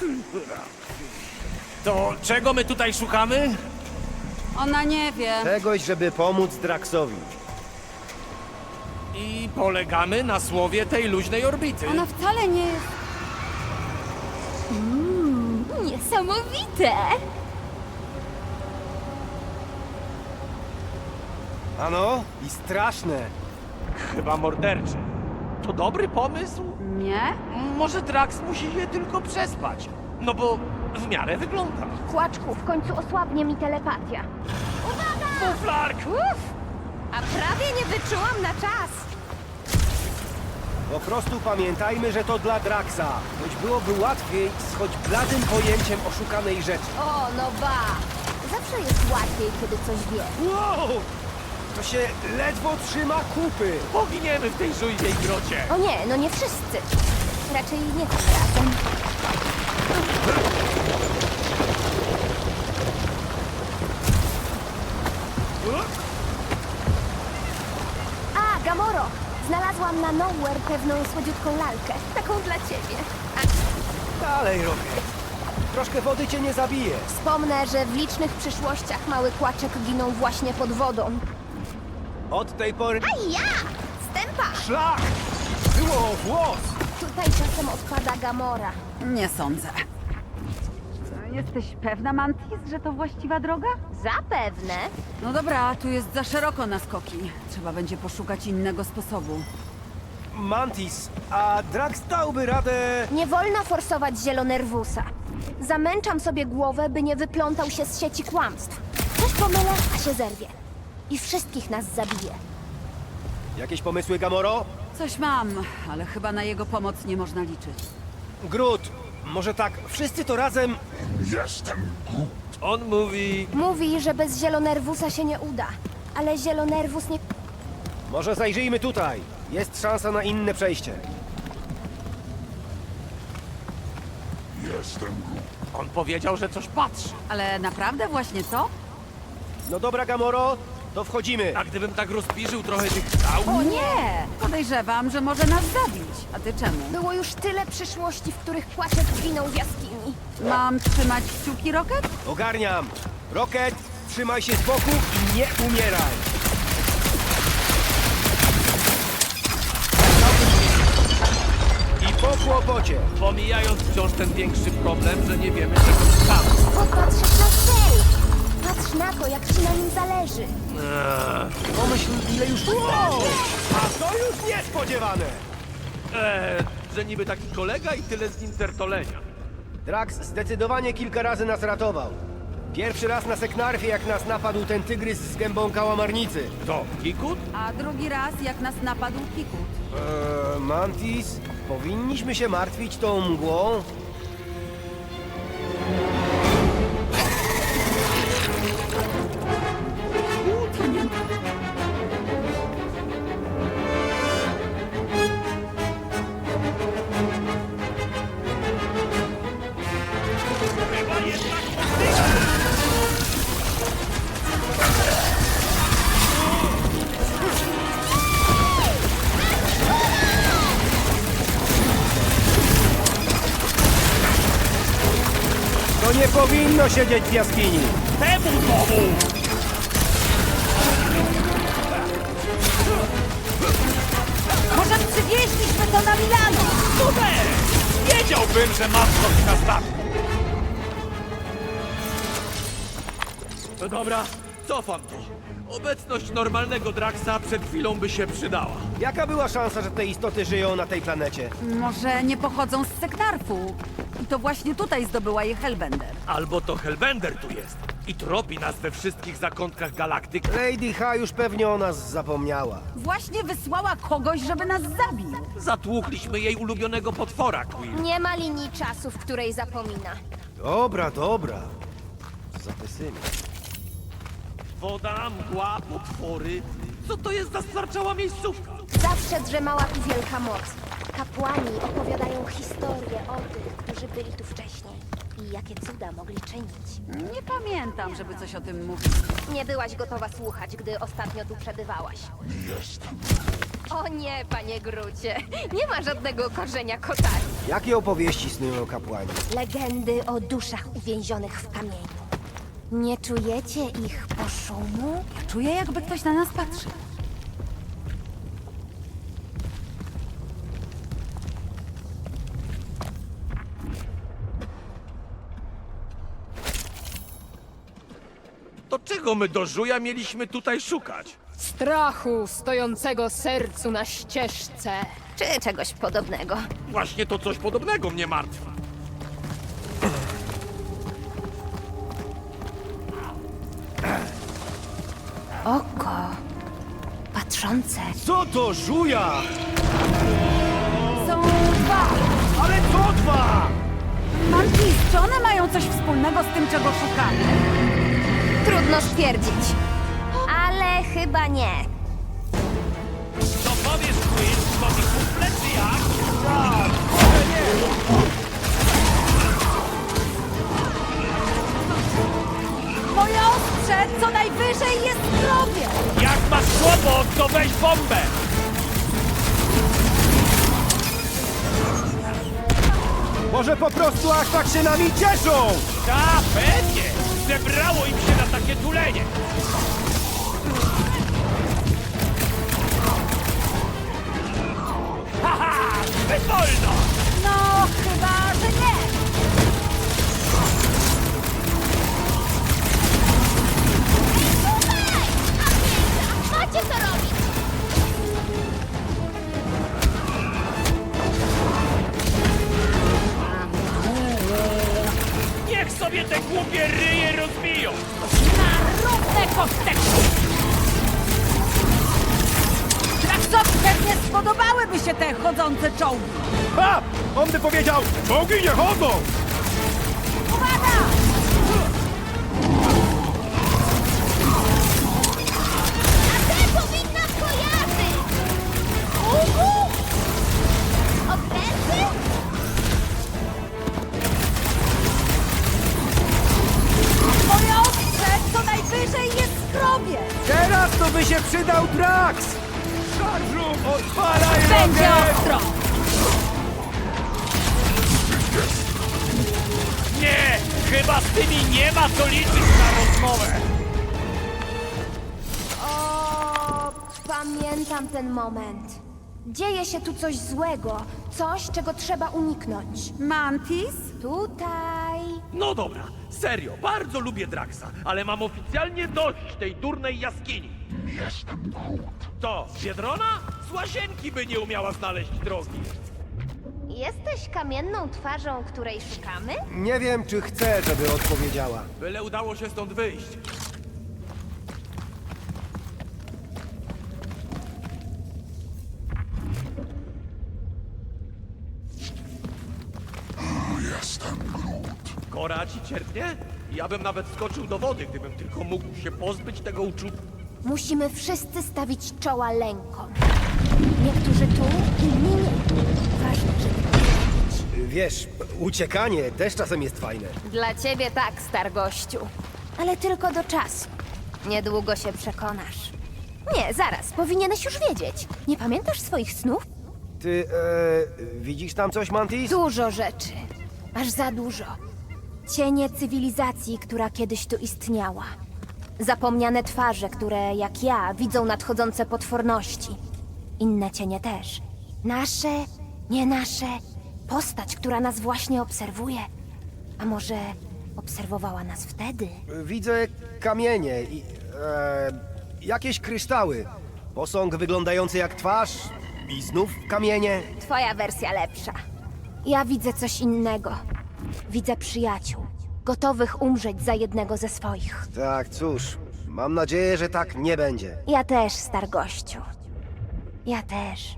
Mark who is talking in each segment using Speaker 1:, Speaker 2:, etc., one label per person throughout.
Speaker 1: To czego my tutaj szukamy?
Speaker 2: Ona nie wie.
Speaker 3: Czegoś, żeby pomóc Draxowi.
Speaker 1: I polegamy na słowie tej luźnej orbity.
Speaker 2: Ona wcale nie jest...
Speaker 4: Niesamowite!
Speaker 3: Ano? I straszne.
Speaker 1: Chyba mordercze. To dobry pomysł?
Speaker 2: Nie?
Speaker 1: Może Drax musi je tylko przespać. No bo w miarę wygląda.
Speaker 4: Kłaczku, w końcu osłabnie mi telepatia.
Speaker 1: Fuflark!
Speaker 4: Uff! A prawie nie wyczułam na czas.
Speaker 3: Po prostu pamiętajmy, że to dla Draxa. Choć byłoby łatwiej z choć bladym pojęciem oszukanej rzeczy.
Speaker 4: O, no ba! Zawsze jest łatwiej, kiedy coś wie.
Speaker 3: Wow! To się ledwo trzyma kupy.
Speaker 1: Poginiemy w tej żujwej grocie.
Speaker 4: O nie, no nie wszyscy. Raczej nie tym razem. A, Gamoro! Znalazłam na Nowhere pewną słodziutką lalkę. Taką dla ciebie.
Speaker 3: Dalej, Rocket. Troszkę wody cię nie zabije.
Speaker 4: Wspomnę, że w licznych przyszłościach mały kłaczek ginął właśnie pod wodą.
Speaker 3: Od tej pory...
Speaker 4: A ja! Stępa!
Speaker 3: Szlak! Było włos!
Speaker 4: Tutaj czasem odpada Gamora.
Speaker 2: Nie sądzę. Jesteś pewna, Mantis, że to właściwa droga?
Speaker 4: Zapewne.
Speaker 2: No dobra, tu jest za szeroko na skoki. Trzeba będzie poszukać innego sposobu.
Speaker 3: Mantis, a Drax dałby radę...
Speaker 4: Nie wolno forsować Zielonerwusa. Zamęczam sobie głowę, by nie wyplątał się z sieci kłamstw. Coś pomylę, a się zerwie. I wszystkich nas zabije.
Speaker 3: Jakieś pomysły, Gamoro?
Speaker 2: Coś mam, ale chyba na jego pomoc nie można liczyć.
Speaker 3: Groot, może tak, wszyscy to razem...
Speaker 1: On mówi...
Speaker 4: Mówi, że bez Zielonerwusa się nie uda. Ale Zielonerwus nie...
Speaker 3: Może zajrzyjmy tutaj. Jest szansa na inne przejście.
Speaker 1: On powiedział, że coś patrzy.
Speaker 2: Ale naprawdę właśnie to?
Speaker 3: No dobra, Gamoro, to wchodzimy.
Speaker 1: A gdybym tak rozpiżył trochę tych skał...
Speaker 2: O nie! Podejrzewam, że może nas zabić. A ty czemu?
Speaker 4: Było już tyle przyszłości, w których Kłaczek zginął w jaskini.
Speaker 2: Mam trzymać kciuki, Rocket?
Speaker 3: Ogarniam. Rocket, trzymaj się z boku i nie umieraj. I po kłopocie.
Speaker 1: Pomijając wciąż ten większy problem, że nie wiemy czego szukamy.
Speaker 4: Popatrzysz na cel! Patrz na to, jak ci na nim zależy.
Speaker 3: Pomyśl, ile już... Wow! A to już niespodziewane.
Speaker 1: Że niby taki kolega i tyle z nim tertolenia.
Speaker 3: Drax zdecydowanie kilka razy nas ratował. Pierwszy raz na Seknarfie, jak nas napadł ten tygrys z gębą kałamarnicy.
Speaker 1: To Kikut?
Speaker 2: A drugi raz, jak nas napadł Kikut.
Speaker 3: Mantis, powinniśmy się martwić tą mgłą? To nie powinno siedzieć w jaskini.
Speaker 1: Temu domu!
Speaker 2: Może przywieźliśmy to na Milano!
Speaker 1: Super! Wiedziałbym, że mam coś na statku. No dobra, cofam to. Obecność normalnego Draxa przed chwilą by się przydała.
Speaker 3: Jaka była szansa, że te istoty żyją na tej planecie?
Speaker 2: Może nie pochodzą z Seknarfu? I to właśnie tutaj zdobyła je Hellbender.
Speaker 1: Albo to Hellbender tu jest i tropi nas we wszystkich zakątkach galaktyk.
Speaker 3: Lady H już pewnie o nas zapomniała.
Speaker 2: Właśnie wysłała kogoś, żeby nas zabił.
Speaker 1: Zatłukliśmy jej ulubionego potwora, Quill.
Speaker 4: Nie ma linii czasu, w której zapomina.
Speaker 3: Dobra, dobra. Za pesymizm.
Speaker 1: Woda, mgła, potwory. Co to jest za stwarczała miejscówka?
Speaker 4: Zawsze drzemała tu wielka moc. Kapłani opowiadają historie o tych, którzy byli tu wcześniej. I jakie cuda mogli czynić.
Speaker 2: Nie pamiętam, żeby coś o tym mówić.
Speaker 4: Nie byłaś gotowa słuchać, gdy ostatnio tu przebywałaś. O nie, panie Grucie. Nie ma żadnego korzenia kotarii.
Speaker 3: Jakie opowieści snują kapłani?
Speaker 4: Legendy o duszach uwięzionych w kamieniu. Nie czujecie ich poszumu?
Speaker 2: Czuję, jakby ktoś na nas patrzy.
Speaker 1: To czego my do żuja mieliśmy tutaj szukać?
Speaker 5: Strachu stojącego sercu na ścieżce.
Speaker 4: Czy czegoś podobnego?
Speaker 1: Właśnie to coś podobnego mnie martwi.
Speaker 4: Oko patrzące.
Speaker 3: Co to żuja?
Speaker 2: Są dwa!
Speaker 3: Ale co dwa?
Speaker 2: Mantis, czy one mają coś wspólnego z tym, czego szukamy?
Speaker 4: Trudno stwierdzić. Ale chyba nie.
Speaker 1: Co powiesz, Quill? Twoje kumple czy jak?
Speaker 2: Moje ostrze co najwyżej jest zdrowie!
Speaker 1: Jak masz kłopot, to weź bombę!
Speaker 3: Może po prostu aż tak się nami cieszą?
Speaker 1: Ta, pewnie! Zebrało im się na takie tulenie! Haha! Zbyt wolno!
Speaker 2: No, chyba, że nie!
Speaker 4: Macie co robić!
Speaker 1: Niech sobie te głupie ryje rozbiją!
Speaker 2: Równe kosteczki! Traksowi pewnie spodobałyby się te chodzące czołgi!
Speaker 3: Ha! On by powiedział, czołgi nie chodzą!
Speaker 2: Uwaga!
Speaker 4: A te powinna kojarzyć! Uhu! Okręty?
Speaker 2: Moje ostrze co najwyżej jest zdrowie!
Speaker 3: Teraz to by się przydał Drax! Szarżu, odpalaj
Speaker 2: Będzie
Speaker 3: rokiet!
Speaker 2: ostro!
Speaker 1: Nie! Chyba z tymi nie ma co liczyć na rozmowę!
Speaker 4: O, pamiętam ten moment. Dzieje się tu coś złego, coś, czego trzeba uniknąć.
Speaker 2: Mantis?
Speaker 4: Tutaj.
Speaker 1: No dobra, serio, bardzo lubię Draxa, ale mam oficjalnie dość tej durnej jaskini. Jestem Groot. Co, Biedrona? Z łazienki by nie umiała znaleźć drogi.
Speaker 4: Jesteś kamienną twarzą, której szukamy?
Speaker 3: Nie wiem, czy chcę, żeby odpowiedziała.
Speaker 1: Byle udało się stąd wyjść.
Speaker 6: Jestem Groot.
Speaker 1: Kora ci cierpnie? Ja bym nawet skoczył do wody, gdybym tylko mógł się pozbyć tego uczucia.
Speaker 4: Musimy wszyscy stawić czoła lękom. Niektórzy tu, inni nie. Ważne, żeby
Speaker 3: Wiesz, uciekanie też czasem jest fajne.
Speaker 4: Dla ciebie tak, stargościu. Ale tylko do czasu. Niedługo się przekonasz. Nie, zaraz, powinieneś już wiedzieć. Nie pamiętasz swoich snów?
Speaker 3: Ty, widzisz tam coś, Mantis?
Speaker 4: Dużo rzeczy. Aż za dużo. Cienie cywilizacji, która kiedyś tu istniała. Zapomniane twarze, które, jak ja, widzą nadchodzące potworności. Inne cienie też. Nasze, nie nasze. Postać, która nas właśnie obserwuje. A może obserwowała nas wtedy?
Speaker 3: Widzę kamienie i jakieś kryształy. Posąg wyglądający jak twarz i znów kamienie.
Speaker 4: Twoja wersja lepsza. Ja widzę coś innego. Widzę przyjaciół, gotowych umrzeć za jednego ze swoich.
Speaker 3: Tak, cóż, mam nadzieję, że tak nie będzie.
Speaker 4: Ja też, stargościu. Ja też.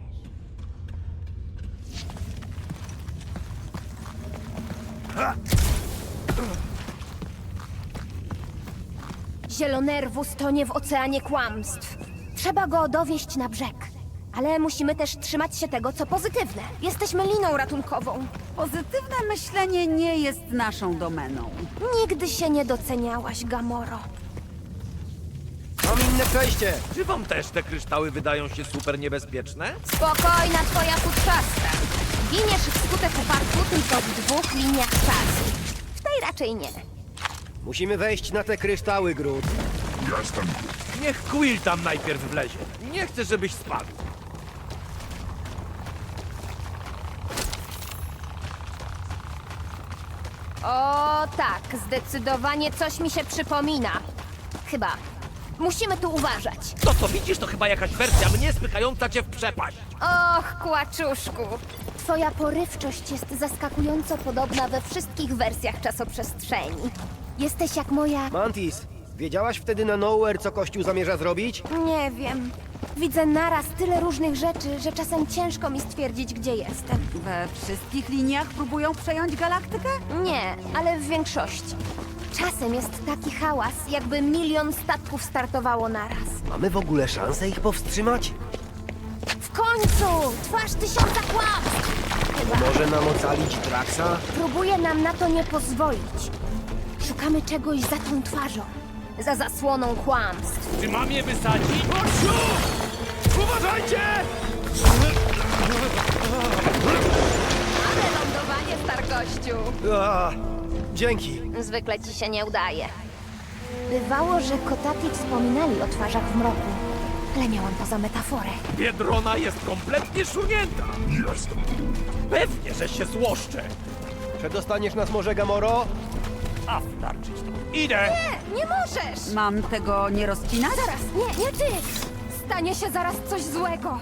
Speaker 4: Zielonerwus tonie w oceanie kłamstw. Trzeba go dowieść na brzeg. Ale musimy też trzymać się tego, co pozytywne. Jesteśmy liną ratunkową.
Speaker 2: Pozytywne myślenie nie jest naszą domeną.
Speaker 4: Nigdy się nie doceniałaś, Gamoro.
Speaker 3: To mi inne przejście!
Speaker 1: Czy wam też te kryształy wydają się super niebezpieczne?
Speaker 4: Spokojna twoja futrzastka. Giniesz wskutek upadku tylko w 2 liniach czasu. W tej raczej nie.
Speaker 3: Musimy wejść na te kryształy, Groot.
Speaker 6: Jestem Groot.
Speaker 1: Niech Quill tam najpierw wlezie. Nie chcę, żebyś spadł.
Speaker 4: O tak, zdecydowanie coś mi się przypomina. Chyba. Musimy tu uważać.
Speaker 1: To co widzisz, to chyba jakaś wersja mnie spychająca cię w przepaść.
Speaker 4: Och, kłaczuszku. Twoja porywczość jest zaskakująco podobna we wszystkich wersjach czasoprzestrzeni. Jesteś jak moja...
Speaker 3: Mantis, wiedziałaś wtedy na Nowhere, co Kościół zamierza zrobić?
Speaker 4: Nie wiem. Widzę naraz tyle różnych rzeczy, że czasem ciężko mi stwierdzić, gdzie jestem.
Speaker 2: We wszystkich liniach próbują przejąć galaktykę?
Speaker 4: Nie, ale w większości. Czasem jest taki hałas, jakby 1 000 000 statków startowało naraz.
Speaker 3: Mamy w ogóle szansę ich powstrzymać?
Speaker 4: W końcu! Twarz 1000 kłamstw! Chyba
Speaker 3: Może nam ocalić Draxa?
Speaker 4: próbuje nam na to nie pozwolić. Szukamy czegoś za tą twarzą. Za zasłoną kłamstw.
Speaker 1: Czy mam je wysadzić? Gościu! Uważajcie!
Speaker 4: Ale lądowanie, stargościu!
Speaker 3: Dzięki.
Speaker 4: Zwykle ci się nie udaje. Bywało, że kotaki wspominali o twarzach w mroku, ale miałam to za metaforę.
Speaker 1: Biedrona jest kompletnie szurnięta.
Speaker 6: Jestem Groot.
Speaker 1: Pewnie, że się złoszczę.
Speaker 3: Przedostaniesz nas może, Gamoro?
Speaker 1: A wtarczyć to. Idę!
Speaker 4: Nie możesz!
Speaker 2: Mam tego nie rozcinać?
Speaker 4: Zaraz, nie ty! Stanie się zaraz coś złego.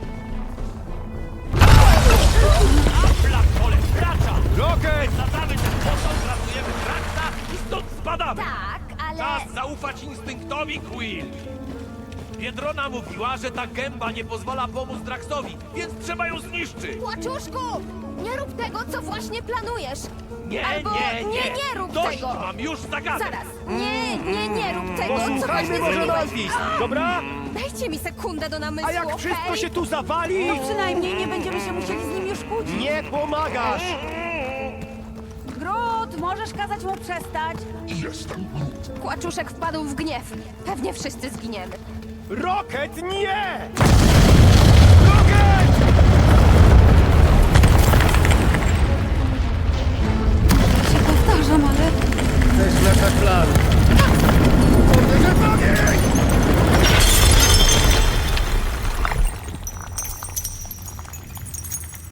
Speaker 1: Black Hole wracza!
Speaker 3: Rocket!
Speaker 1: Zadamy ten posąg, ratujemy Draxa i stąd spadamy!
Speaker 4: Tak, ale...
Speaker 1: Czas zaufać instynktowi, Quill! Biedrona mówiła, że ta gęba nie pozwala pomóc Draxowi, więc trzeba ją zniszczyć!
Speaker 4: Płaczuszku! Nie rób tego, co właśnie planujesz!
Speaker 1: Nie,
Speaker 4: Albo nie rób
Speaker 1: Dość,
Speaker 4: tego!
Speaker 1: mam już zagadek!
Speaker 4: Zaraz! Nie rób tego, co
Speaker 3: Posłuchajmy
Speaker 4: właśnie
Speaker 3: może
Speaker 4: zrobiłeś!
Speaker 3: Mantis, dobra?
Speaker 4: Dajcie mi sekundę do namysłu,
Speaker 3: A jak wszystko
Speaker 4: okej?
Speaker 3: się tu zawali?
Speaker 2: No przynajmniej nie będziemy się musieli z nim już kłócić.
Speaker 3: Nie pomagasz!
Speaker 2: Groot, możesz kazać mu przestać?
Speaker 6: Jestem Groot.
Speaker 4: Kłaczuszek wpadł w gniew. Pewnie wszyscy zginiemy.
Speaker 3: Rocket, nie! Rocket!
Speaker 2: Się powtarzam, ale...
Speaker 3: Chcesz nasz plan?